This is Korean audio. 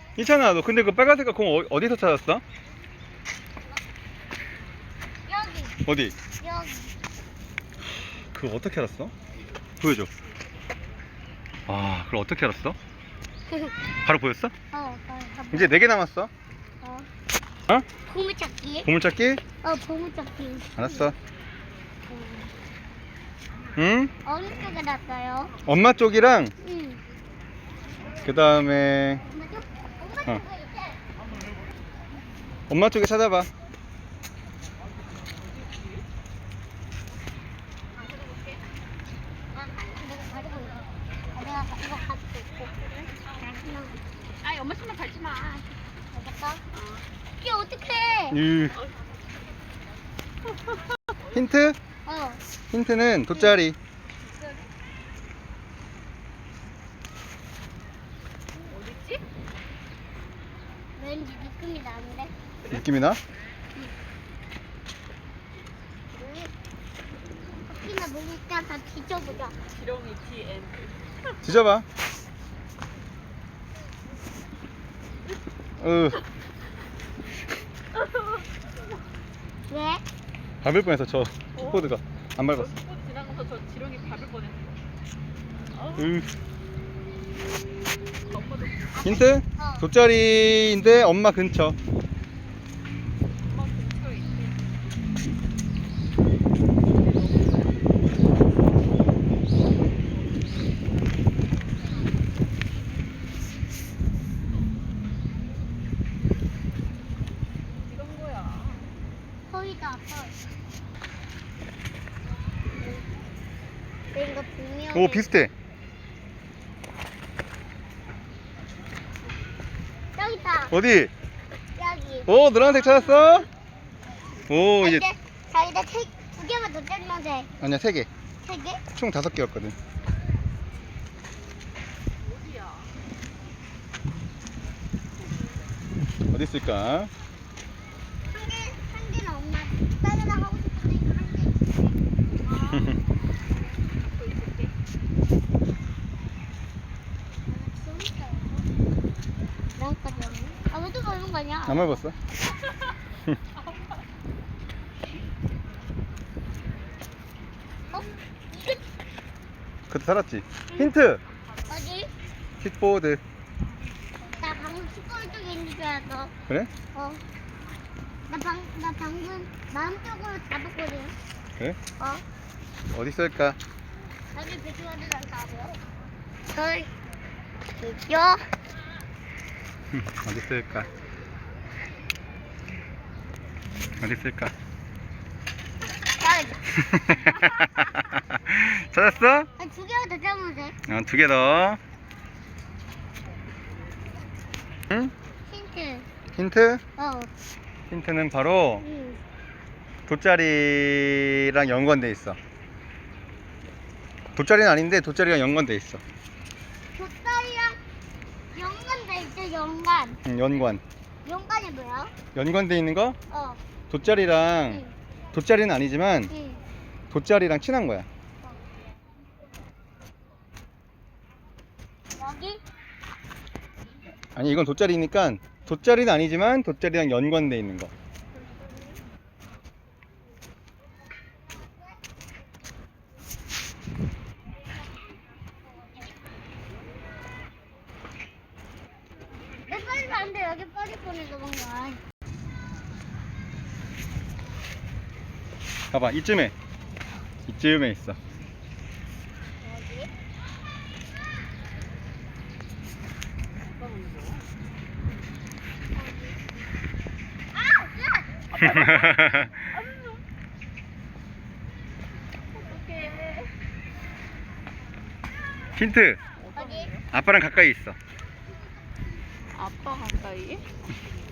이찬아, 너 근데 그 빨간색깔 공 어디서 찾았어? 여기. 어디? 여기. 그거 어떻게 알았어? 보여줘. 아, 그걸 어떻게 알았어? 바로 보였어? 어. 이제 4개 남았어. 어. 어? 보물찾기. 보물찾기? 보물찾기. 알았어. 응? 어느 쪽에 놨어요? 엄마 쪽이랑 응. 그 다음에 엄마 쪽? 엄마 어. 쪽에 있대. 엄마 쪽에 찾아봐. 내가 가지고 있어. 내가 이거 가지고 있고. 아이 엄마 손만 밟지 마. 알겠어? 이게 어떡해? 힌트? 어. 힌트는 돗자리. 어딨지? 왠지 느낌이 나는데? 느낌이 나? 혹시나 모르니까 다 뒤져보자. 지렁이 TN. 뒤져봐. 왜? 밟을 뻔했어. 저 킥보드가 안 밟았어. 킥보드 지나가서 저 지렁이 밟을 뻔했어. 엄마도 힌트? 어. 돗자리인데 엄마 근처. 엄마 근처에 있대. 이런 거야. 거의다 아빠. 이거 분명히. 오, 비슷해. 여기 있다. 어디? 여기. 오, 노란색 찾았어? 오, 이제 자기다 두 개만 더 떼면 돼. 아니야, 3개. 3개? 총 5개였거든. 어디야? 어디 있을까? 한 개는 엄마 따르다 하고 싶은데 한 개. 또 있을게. 나까지 없네. 아, 왜 또 먹는 거 아니야? 안 밟았어? 어? 이거 그때 살았지? 힌트! 어디? 킥보드. 나 방금 축구를 쪽에 있는 줄 알았어. 그래? 어. 나 방금 마음적으로 잡았거든. 그래? 어? 어디 있을까? 자기 배추가는 안 잡아. 저 있죠? 어디 있을까? 어디 있을까? 찾았어? 두 개만 더 잡으면 돼. 2개 더. 응? 힌트. 힌트? 어. 힌트는 바로 응. 돗자리랑 연관돼 있어. 돗자리는 아닌데 돗자리랑 연관돼 있어. 돗다리랑 연관돼 있죠, 연관. 연관. 연관이 뭐야? 연관돼 있는 거? 어. 돗자리랑 응. 돗자리는 아니지만 응. 돗자리랑 친한 거야. 여기? 아니, 이건 돗자리니까 돗자리는 아니지만 돗자리랑 연관돼 있는 거. 내 빨리 안 돼. 여기 빨리 보내서 뭔가. 봐봐, 이쯤에 있어. 여기? 아! 야! 어떡해. 힌트. 어디? 아빠랑 가까이 있어. 아빠 가까이?